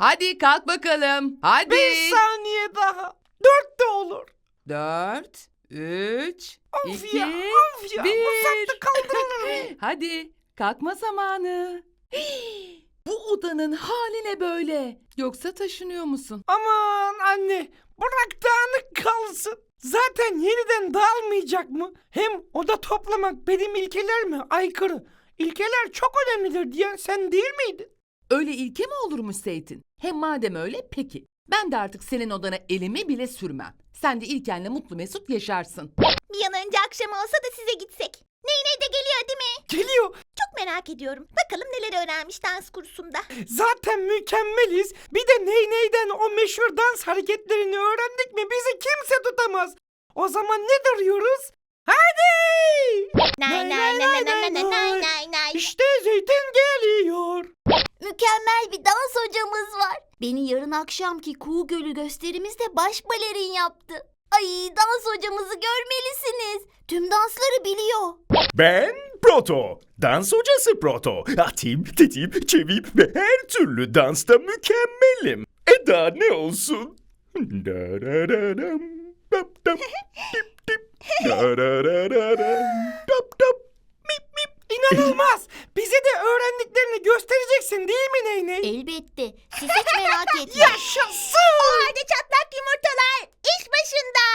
Hadi kalk bakalım. Hadi. 5 saniye daha. 4 de olur. 4, 3, Of 2, ya, of ya. 1. Uzakta kaldırılır mı? Hadi kalkma zamanı. Bu odanın hali ne böyle? Yoksa taşınıyor musun? Aman anne, bırak dağınık kalsın. Zaten yeniden dağılmayacak mı? Hem oda toplamak benim ilkelerime aykırı. İlkeler çok önemlidir diyen sen değil miydin? Öyle ilke mi olurmuş Zeytin? Hem madem öyle peki. Ben de artık senin odana elimi bile sürmem. Sen de İlken'le mutlu mesut yaşarsın. Bir an önce akşam olsa da size gitsek. Ney de geliyor değil mi? Geliyor. Çok merak ediyorum. Bakalım neler öğrenmiş dans kursunda. Zaten mükemmeliz. Bir de neyden o meşhur dans hareketlerini öğrendik mi bizi kimse tutamaz. O zaman ne duruyoruz? Hadi! Nay nay nay nay nay nay nay nay nay. İşte Zeytin geliyor. Mükemmel bir dans hocamız var. Beni yarın akşamki Kuğu Gölü gösterimizde baş balerin yaptı. Ay, dans hocamızı görmelisiniz. Tüm dansları biliyor. Ben Proto, dans hocası Proto. Atim, tetim, çevim ve her türlü dansta mükemmelim. Daha ne olsun? Darararam, dap dap, dip dip, darararam, dap dap, mip mip. İnanılmaz. Bize de öğrendiklerini göstereceksin değil mi Ney? Elbette. Siz hiç merak etmeyin. Yaşasın. O halde çatlak yumurtalar iş başında.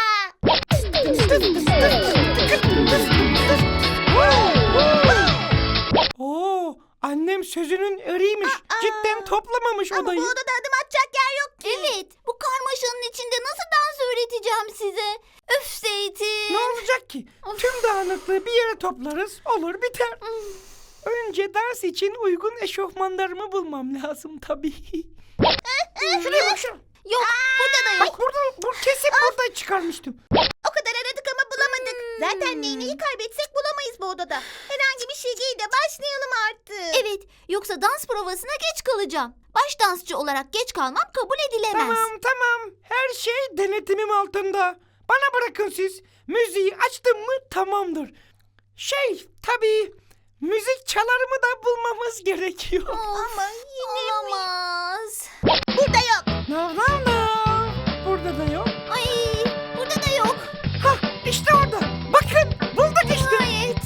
Oo, annem sözünün eriymiş. Cidden toplamamış Ama odayı. bu odada adım atacak yer yok ki. Evet. Bu karmaşanın içinde nasıl dans öğreteceğim size? Öf Zeytin. Ne olacak ki? Tüm dağınıklığı bir yere toplarız, olur biter. Önce ders için uygun eşofmanlarımı bulmam lazım tabii. Şuraya bak şuraya. Yok, burada da yok. Bak kesin buradan çıkarmıştım. O kadar aradık ama bulamadık. Zaten neyneyi kaybetsek bulamayız bu odada. Herhangi bir şey giy de başlayalım artık. Evet, yoksa dans provasına geç kalacağım. Baş dansçı olarak geç kalmam kabul edilemez. Tamam. Her şey denetimim altında. Bana bırakın siz. Müziği açtım mı tamamdır. Tabii müzik çalarımı da bulmamız gerekiyor. Ama yine olamaz. Burada yok. No. Burada da yok. Ay, burada da yok. İşte orada. Bakın bulduk işte. Nihayet.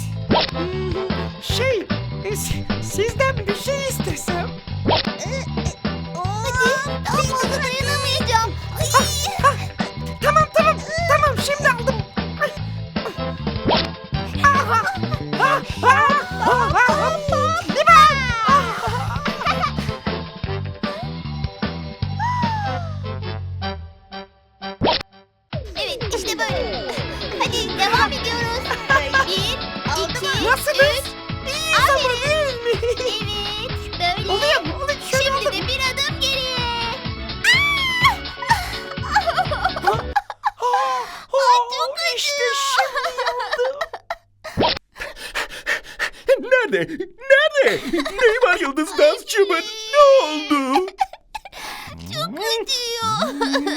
Sizden bir şey istesem. Hadi, daha fazla dayanamayacağım. Tamam şimdi aldım. Evet, işte böyle. Hadi devam ediyoruz. 1, 2, Nasılız? 3. Aferin. Değil mi? Evet, böyle. Oluyor mu? Şimdi de bir adım geriye. Çok İşte şimdi oldu. Nerede? Neyi var yıldız dansçımın? Ne oldu? Çok acıyor.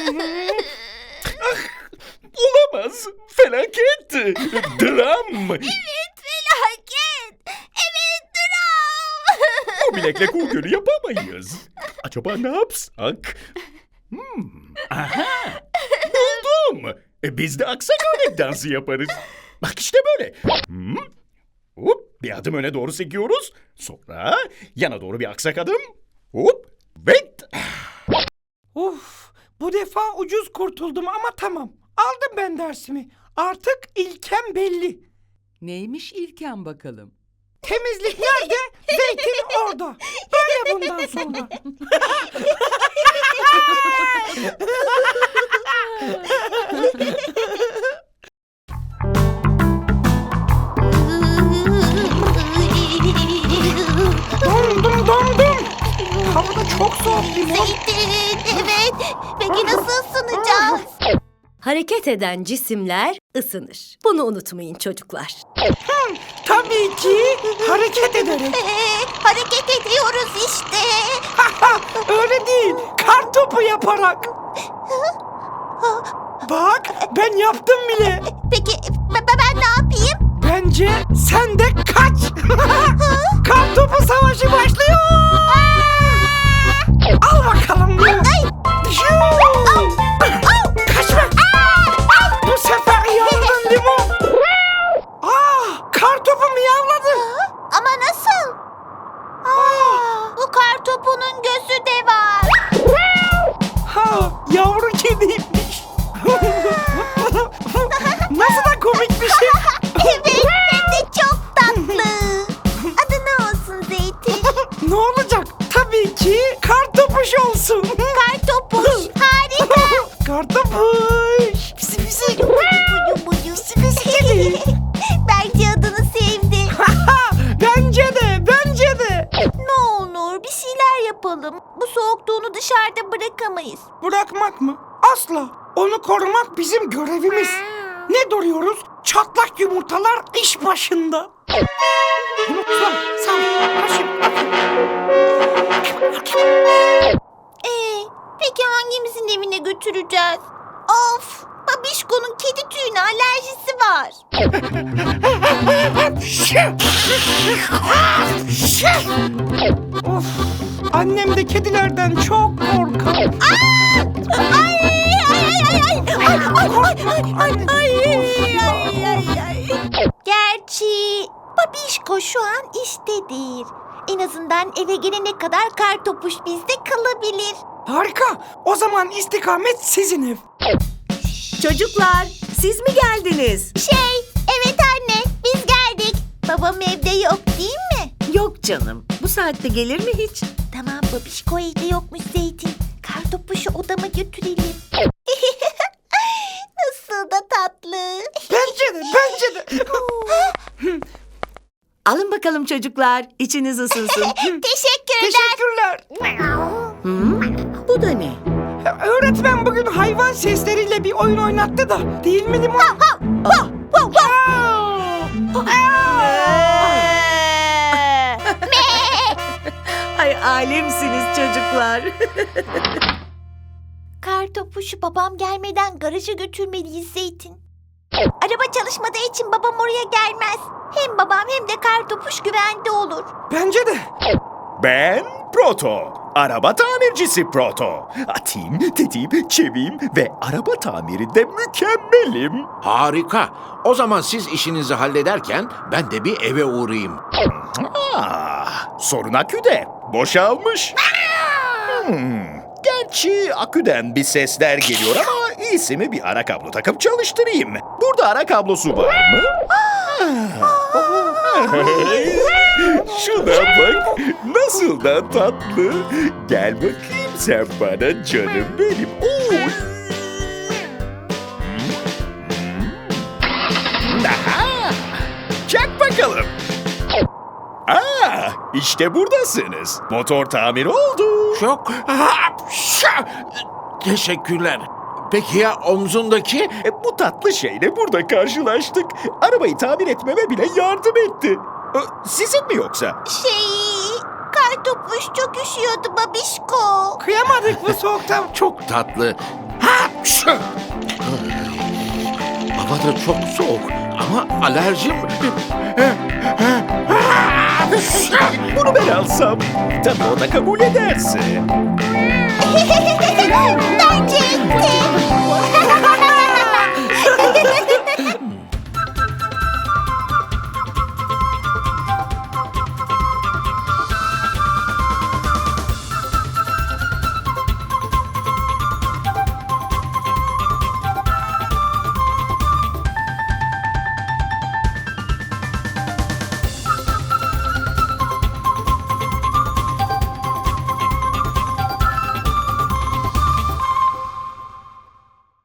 Olamaz. Felaket. Dram. Evet, felaket. Evet, dram. O bilekle Kuğu Gölü yapamayız. Acaba ne yapsak? Aha. Buldum. Biz de aksak örnek dansı yaparız. Bak işte böyle. Hop, bir adım öne doğru sekiyoruz. Sonra yana doğru bir aksak adım. Hop ve... Bu defa ucuz kurtuldum ama tamam. Aldım ben dersimi. Artık ilkem belli. Neymiş İlken bakalım? Temizlik nerede? Zeytin orada. Böyle bundan sonra. Dondum. Havada çok soğuk limon. Zeytin, evet. Peki nasıl ısınacağız? Hareket eden cisimler ısınır. Bunu unutmayın çocuklar. Tabii ki hareket ederek. Hareket ediyoruz işte. Öyle değil. Kar topu yaparak. Bak ben yaptım bile. Peki ben ne yapayım? Bence sen de kaç. Kar topu savaşı başlıyor. Al bakalım bırakamayız. Bırakmak mı? Asla. Onu korumak bizim görevimiz. Ne duruyoruz? Çatlak yumurtalar iş başında. Yumurtalar sağ Peki hangimizin evine götüreceğiz? Of! Babişko'nun kedi tüyüne alerjisi var. Of. Annem de kedilerden çok korkar. Gerçi Babişko şu an iştedir. En azından eve gelene kadar Kartopuş bizde kalabilir. Harika. O zaman istikamet sizin ev. Çocuklar, siz mi geldiniz? Evet anne, biz geldik. Babam evde yok değil mi? Yok canım. Bu saatte gelir mi hiç? Tamam, Babişko evde yokmuş Zeytin. Kartopuşu odama götürelim. Nasıl da tatlı. Bence de. Alın bakalım çocuklar. İçiniz ısınsın. Teşekkürler. Bu da ne? Öğretmen bugün hayvan sesleriyle bir oyun oynattı da. Değil mi Limon? Ay alemsiniz çocuklar. Kartopuşu babam gelmeden garaja götürmeliyiz Zeytin. Araba çalışmadığı için babam oraya gelmez. Hem babam hem de Kartopuş güvende olur. Bence de. Ben Proto. Araba tamircisi Proto. Atayım, tetiğim, çeviyim ve araba tamirinde mükemmelim. Harika. O zaman siz işinizi hallederken ben de bir eve uğrayayım. Sorun aküde. Boşalmış. Gerçi aküden bir sesler geliyor ama iyisi mi bir ara kablo takıp çalıştırayım. Burada ara kablosu var mı? Şuna bak. Nasıl da tatlı. Gel bakayım sen bana canım benim. Oy. Aha! Çak bakalım. İşte buradasınız. Motor tamir oldu. Çok... Teşekkürler. Peki ya omzundaki? Bu tatlı şeyle burada karşılaştık. Arabayı tamir etmeme bile yardım etti. Sizin mi yoksa? Kartopuş çok üşüyordu Babişko. Kıyamadık bu soğukta. Çok tatlı. Hava da çok soğuk ama alerjim... Bunu ben alsam. Tabii o da kabul ederse. Bence